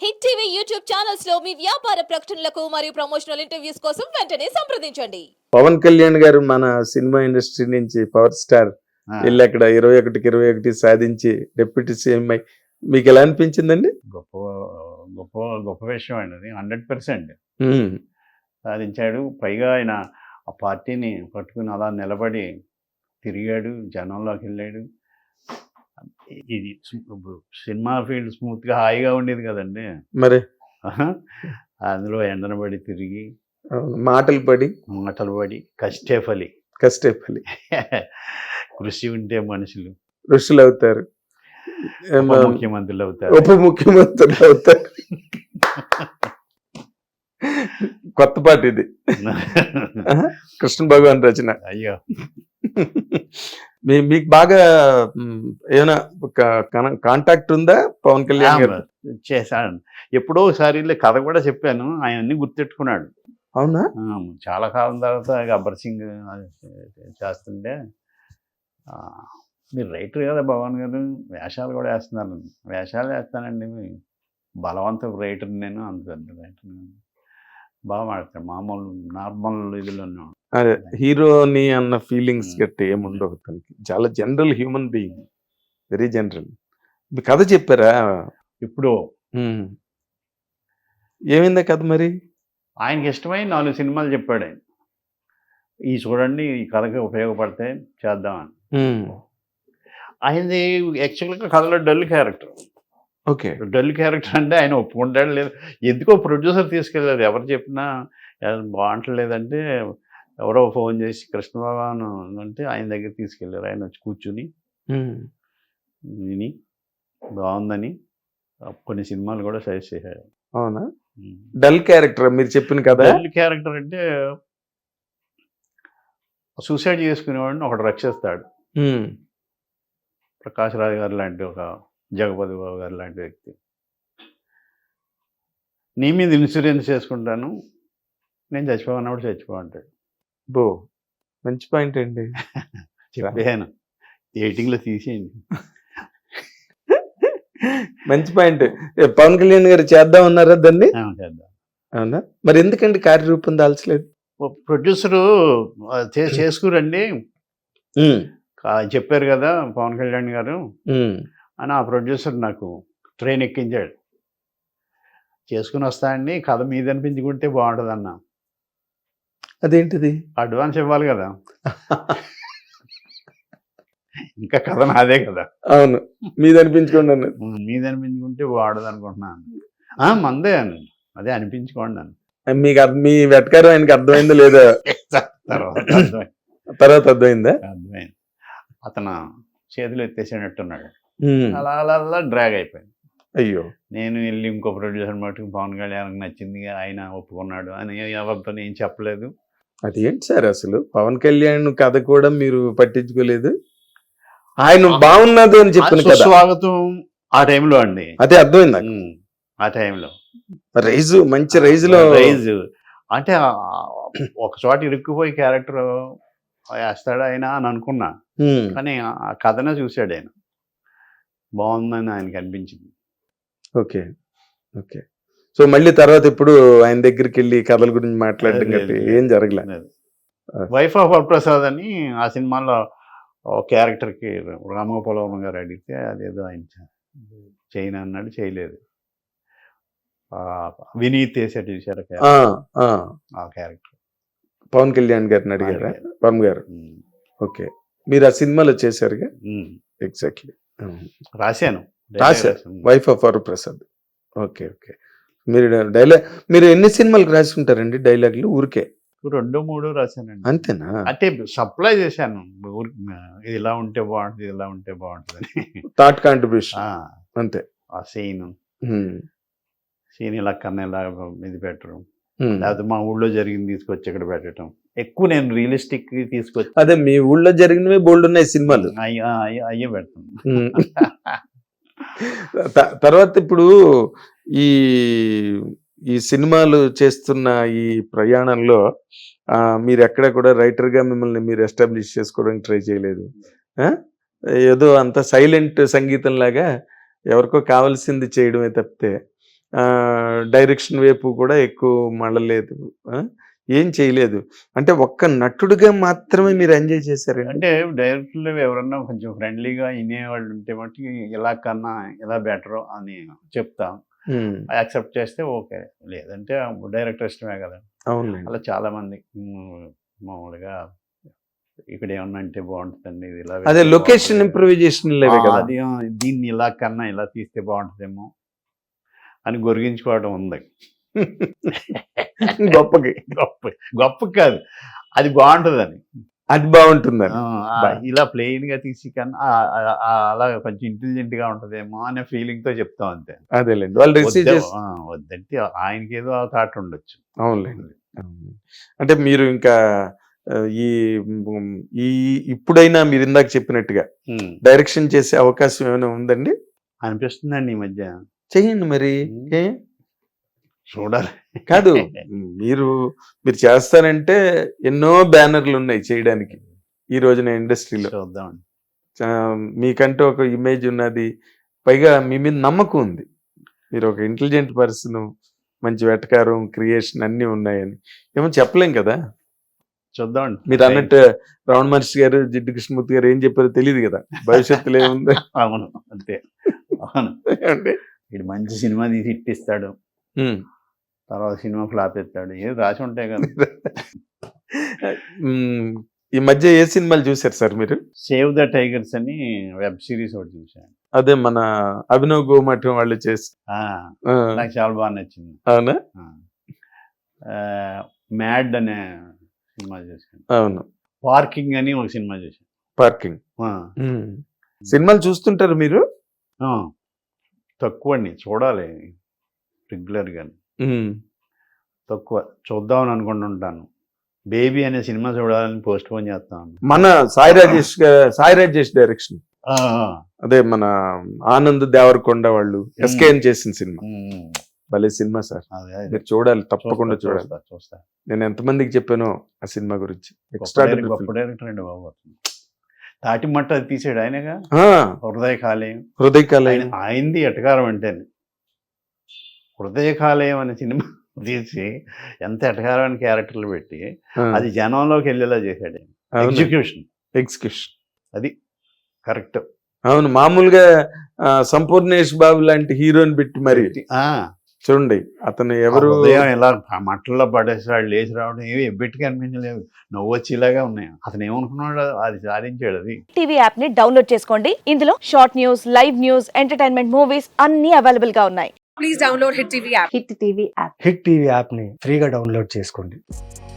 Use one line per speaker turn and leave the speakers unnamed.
Hit TV YouTube channels లో మీ వ్యాపార ప్రకటనలకు మరియు ప్రమోషనల్ ఇంటర్వ్యూస్ కోసం వెంటనే సంప్రదించండి.
పవన్ కళ్యాణ్ గారు మన సినిమా ఇండస్ట్రీ నుంచి పవర్ స్టార్ వెళ్ళి అక్కడ 21కి 21 సాధించి డిప్యూటీ సీఎం అయి మీకు ఎలా అనిపించిందండి?
గొప్ప గొప్ప గొప్ప విషయం అండి అది. 100% సాధించాడు. పైగా ఆయన ఆ పార్టీని పట్టుకుని అలా నిలబడి తిరిగాడు, జనంలోకి వెళ్ళాడు. ఇది సినిమా ఫీల్డ్ స్మూత్గా హాయిగా ఉండేది కదండి.
మరి
అందులో ఎండనబడి తిరిగి
మాటలు పడి
కష్టే ఫలి కృషి ఉంటే మనుషులు
ఋషులు అవుతారు,
ముఖ్యమంత్రులు అవుతారు,
ఉప ముఖ్యమంత్రులు అవుతారు. కొత్త పాట ఇది, కృష్ణ భగవాన్ రచన.
అయ్యో,
మీకు బాగా ఏమైనా కాంటాక్ట్ ఉందా పవన్ కళ్యాణ్ గారు?
చేశాను ఎప్పుడో ఒకసారి కథ కూడా చెప్పాను, ఆయన అన్ని గుర్తెట్టుకున్నాడు.
అవునా?
చాలా కాలం తర్వాత గబ్బర్ సింగ్ చేస్తుంటే, మీరు రైటర్ కదా భగవాన్ గారు, వేషాలు కూడా వేస్తున్నారు. వేషాలు వేస్తానండి, బలవంతపు రైటర్ నేను, అంత పెద్ద రైటర్ నేను. బాగా మాడతాను, మామూలు నార్మల్ ఇదిలోనే.
అదే హీరోని అన్న ఫీలింగ్స్ గట్టి ఏముండవు తనకి. చాలా general human being, very general. మీ కథ చెప్పారా
ఇప్పుడు?
ఏమైందా కథ మరి?
ఆయనకి ఇష్టమై 4 సినిమాలు చెప్పాడు ఆయన. ఈ చూడండి, ఈ కథకి ఉపయోగపడితే చేద్దామని. ఆయనది యాక్చువల్గా కథలో dull character.
Okay,
dull character అంటే ఆయన ఒప్పుకుంటాడు లేదు, ఎందుకో ప్రొడ్యూసర్ తీసుకెళ్ళారు. ఎవరు చెప్పినా బాగుంటలేదంటే ఎవరో ఫోన్ చేసి కృష్ణ భగవాన్ అంటే ఆయన దగ్గర తీసుకెళ్ళారు. ఆయన వచ్చి కూర్చుని విని బాగుందని కొన్ని సినిమాలు కూడా సజెస్ట్ చేశారు.
అవునా? డల్ క్యారెక్టర్ మీరు చెప్పిన కదా?
డల్ క్యారెక్టర్ అంటే సూసైడ్ చేసుకునేవాడిని ఒకటి రక్షిస్తాడు. ప్రకాష్ రాజ్ గారు లాంటి, ఒక జగపతి బాబు గారు లాంటి వ్యక్తి. నీ మీద ఇన్సూరెన్స్ చేసుకుంటాను, నేను చచ్చిపోవన్నప్పుడు చచ్చిపోంటాడు.
బో, మంచి పాయింట్ అండి.
చెప్పాను, ఎయిటింగ్లో తీసేయండి.
మంచి పాయింట్. పవన్ కళ్యాణ్ గారు చేద్దాం అన్నారా దాన్ని?
చేద్దాం.
అవునా? మరి ఎందుకండి కార్యరూపం దాల్చలేదు?
ప్రొడ్యూసరు చేసుకురండి చెప్పారు కదా పవన్ కళ్యాణ్ గారు అని ఆ ప్రొడ్యూసర్ నాకు ట్రైన్ ఎక్కించాడు. చేసుకుని వస్తా అండి, కథ మీద అనిపించుకుంటే బాగుంటుంది అన్న.
అదేంటిది?
అడ్వాన్స్ ఇవ్వాలి కదా, ఇంకా కథ నాదే కదా.
అవును, మీద అనిపించుకోండి అన్న.
మీద అనిపించుకుంటే బాగుండదు అనుకుంటున్నాను. మందే అని, అదే అనిపించుకోండి అని.
మీకు మీ వెటకారం ఆయనకి అర్థమైందో లేదా? తర్వాత అర్థమైందా?
అర్థమైంది. అతను చేతులు ఎత్తేసేటట్టున్నాడు. అలా అలా అలా డ్రాగ్ అయిపోయింది.
అయ్యో,
నేను వెళ్ళి ఇంకో ప్రొడ్యూసర్ మటుకు పవన్ కళ్యాణ్కి నచ్చింది, ఆయన ఒప్పుకున్నాడు అని ఎవరితో ఏం చెప్పలేదు.
అదేంటి సార్ అసలు పవన్ కళ్యాణ్ కథ కూడా మీరు పట్టించుకోలేదు? ఆయన బాగున్నది అని చెప్పిన కదా,
స్వాగతం ఆ టైంలో అండి.
అదే అర్థమైంది
ఆ టైంలో
రైజు, మంచి రైజు
అంటే ఒక చోట ఇరుక్కుపోయి క్యారెక్టర్ వేస్తాడు ఆయన అని అనుకున్నా, కానీ ఆ కథనే చూశాడు ఆయన, బాగుందని ఆయనకి అనిపించింది.
Okay okay. సో మళ్ళీ తర్వాత ఇప్పుడు ఆయన దగ్గరికి వెళ్ళి కథల గురించి మాట్లాడడం గట్టి ఏం జరగలేదు.
వైఫ్ ఆఫ్ వరప్రసాద్ అని ఆ సినిమాలో క్యారెక్టర్కి రామగోపాలవరం గారు అడిగితే అదేదో ఆయన చేయను అన్నాడు, చేయలేదు. వినీత్ వేసాడు చూసారు ఆ క్యారెక్టర్,
పవన్ కళ్యాణ్ గారిని అడిగారా? పవన్ గారు ఓకే, మీరు ఆ సినిమాలో చేశారుగా? ఎగ్జాక్ట్లీ
రాశాను.
Wife of Varaprasad. Okay okay. మీరు ఎన్ని సినిమాలకు రాసి ఉంటారండి డైలాగులు? ఊరికే
2-3 రాశానండి.
అంతేనా?
అంటే సప్లై చేశాను, ఇది ఇలా ఉంటే బాగుంటుంది, ఇలా ఉంటే బాగుంటుంది అని.
థాట్ కాంట్రిబ్యూషన్ అంతే.
ఆ సీన్ ఇలా కన్నా ఇలా ఇది పెట్టడం, లేకపోతే మా ఊళ్ళో జరిగింది తీసుకొచ్చి ఇక్కడ పెట్టడం. ఎక్కువ నేను రియలిస్టిక్ తీసుకొచ్చి,
అదే మీ ఊళ్ళో జరిగినవి బోల్డ్ ఉన్నాయి సినిమాలు,
అయ్యే పెడతాను.
తర్వాత ఇప్పుడు ఈ సినిమాలు చేస్తున్న ఈ ప్రయాణంలో మీరు ఎక్కడ కూడా రైటర్గా మిమ్మల్ని మీరు ఎస్టాబ్లిష్ చేసుకోవడానికి ట్రై చేయలేదు? ఏదో అంత సైలెంట్ సంగీతం లాగా ఎవరికో కావాల్సింది చేయడమే తప్పితే డైరెక్షన్ వైపు కూడా ఎక్కువ మళ్ళలేదు, ఏం చేయలేదు. అంటే ఒక్క నటుడిగా మాత్రమే మీరు ఎంజాయ్ చేశారండి?
అంటే డైరెక్టర్లు ఎవరన్నా కొంచెం ఫ్రెండ్లీగా వినేవాళ్ళు ఉంటే మట్టుకి ఇలా కన్నా ఇలా బెటర్ అని చెప్తాం, యాక్సెప్ట్ చేస్తే ఓకే, లేదంటే డైరెక్టర్ ఇష్టమే కదా.
అవునండి.
అలా చాలా మంది మామూలుగా ఇక్కడ ఏమన్నా అంటే బాగుంటుందండి, ఇది ఇలా
అదే
వేస్తే
లొకేషన్
బాగుంటుంది.
ఇంప్రూవైజేషన్ కదా.
అది దీన్ని ఇలా కన్నా ఇలా తీస్తే బాగుంటుందేమో అని గొరిగించుకోవడం ఉంది.
గొప్పకి
గొప్ప గొప్ప కాదు, అది బాగుంటుందని.
అది బాగుంటుందని.
ఇలా ప్లెయిన్ గా తీసి కన్నా అలా కొంచెం ఇంటెలిజెంట్ గా ఉంటదేమో అనే ఫీలింగ్ తో చెప్తాం అంతే.
అదేలేండి, వాళ్ళు రిసీవ్ చేసి.
వద్దంటే ఆయనకి ఏదో థాట్ ఉండొచ్చు.
అవునులేండి. అంటే మీరు ఇంకా ఈ ఈ ఇప్పుడైనా మీరు ఇందాక చెప్పినట్టుగా డైరెక్షన్ చేసే అవకాశం ఏమైనా ఉందండి?
అనిపిస్తుందండి ఈ మధ్య.
చెయ్యండి మరి. ఏ
చూడాలి.
కాదు, మీరు చేస్తారంటే ఎన్నో బ్యానర్లు ఉన్నాయి చేయడానికి ఈ రోజున ఇండస్ట్రీలో.
చూద్దామండి.
మీకంటూ ఒక ఇమేజ్ ఉన్నది, పైగా మీ మీద నమ్మకం ఉంది, మీరు ఒక ఇంటెలిజెంట్ పర్సన్, మంచి వెటకారం, క్రియేషన్ అన్నీ ఉన్నాయని. ఏమో చెప్పలేం కదా.
చూద్దామండి.
మీరు అన్నట్టు రమణ మహర్షి గారు, జిడ్డు కృష్ణమూర్తి గారు ఏం చెప్పారో తెలియదు కదా, భవిష్యత్తులో ఏముంది.
అవును, అంతే. అవును,
అంటే
వీడు మంచి సినిమా తీసి ఇట్టిస్తాడు, తర్వాత సినిమా ఫ్లాప్ ఎత్తాడు, ఏది రాసి ఉంటాయి కదా.
ఈ మధ్య ఏ సినిమాలు చూసారు సార్ మీరు?
సేవ్ ద టైగర్స్ అని వెబ్ సిరీస్ ఒకటి చూసాను.
అదే మన అభినవ్ గోమఠం వాళ్ళు చేసి.
నాకు చాలా బాగా నచ్చింది.
అవునా?
మ్యాడ్ అనే సినిమా చూసాను.
అవును.
పార్కింగ్ అని ఒక సినిమా చూసాను.
పార్కింగ్ సినిమాలు చూస్తుంటారు మీరు?
తక్కువ అండి, చూడాలి రెగ్యులర్గా. తక్కువ చూద్దామని అనుకుంటుంటాను. బేబీ అనే సినిమా చూడాలని పోస్ట్ పోన్ చేస్తాను.
మన సాయి రాజేష్ డైరెక్షన్. అదే మన ఆనంద్ దేవరకొండ వాళ్ళు ఎస్కేఎన్ చేసిన సినిమా. భలే సినిమా సార్, మీరు చూడాలి, తప్పకుండా చూడాలి.
చూస్తా.
నేను ఎంతమందికి చెప్పానో ఆ సినిమా గురించి.
గొప్ప డైరెక్టర్ అండి బాబు. తాటి మట్ట అది తీసాడు ఆయనగా. హృదయ కాలేయం ఆయనది ఎటకారం అంటే. హృదయ కాలేయం అనే సినిమా తీసి ఎంత ఎటకారమైన క్యారెక్టర్లు పెట్టి అది జనంలోకి వెళ్ళేలా చేశాడు. ఎగ్జిక్యూషన్ అది కరెక్ట్.
అవును, మామూలుగా సంపూర్ణేష్ బాబు లాంటి హీరోని పెట్టి మరి చూడండి, అతను ఎవరు
ఇలా మట్టల్లో పడేసాడు, లేచి రావడం ఏమి ఎబ్బెట్టుగా అనిపించలేదు, నవ్వు వచ్చేలాగా ఉన్నాయి. అతను ఏమనుకున్నాడు, అది సాధించాడు. అది
టీవీ యాప్ ని డౌన్లోడ్ చేసుకోండి. ఇందులో short news, live news, entertainment movies అన్ని అవైలబుల్ గా ఉన్నాయి.
Please download Hit TV app.
Hit TV app.
Hit TV యాప్ని ఫ్రీగా డౌన్లోడ్ చేసుకోండి.